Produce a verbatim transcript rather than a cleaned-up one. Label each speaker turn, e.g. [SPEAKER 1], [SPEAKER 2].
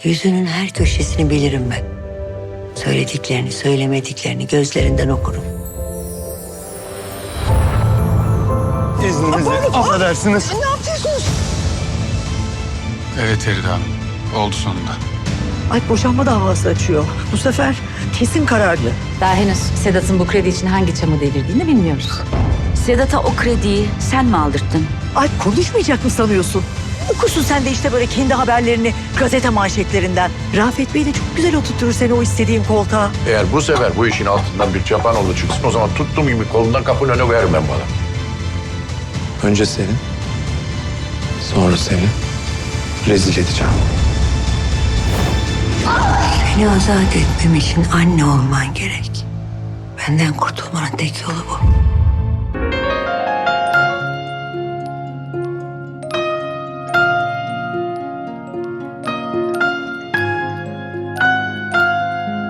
[SPEAKER 1] Yüzünün her köşesini bilirim ben. Söylediklerini, söylemediklerini gözlerinden okurum.
[SPEAKER 2] İzninizle affedersiniz.
[SPEAKER 3] Ne yapıyorsunuz?
[SPEAKER 4] Evet Feride Hanım. Oldu sonunda.
[SPEAKER 3] Ay boşanma davası açıyor. Bu sefer kesin kararlı.
[SPEAKER 5] Daha henüz Sedat'ın bu kredi için hangi çamı devirdiğini bilmiyoruz.
[SPEAKER 6] Sedat'a o krediyi sen mi aldırttın?
[SPEAKER 3] Ay konuşmayacak mı sanıyorsun? Okursun sen de işte böyle kendi haberlerini gazete manşetlerinden. Rafet Bey de çok güzel oturtur seni o istediğin koltuğa.
[SPEAKER 7] Eğer bu sefer bu işin altından bir çapanoğlu çıksın o zaman tuttuğum gibi kolundan kapının önüne koyarım ben bana.
[SPEAKER 2] Önce seni, sonra seni rezil edeceğim.
[SPEAKER 1] Seni azat etmem için anne olman gerek. Benden kurtulmanın tek yolu bu.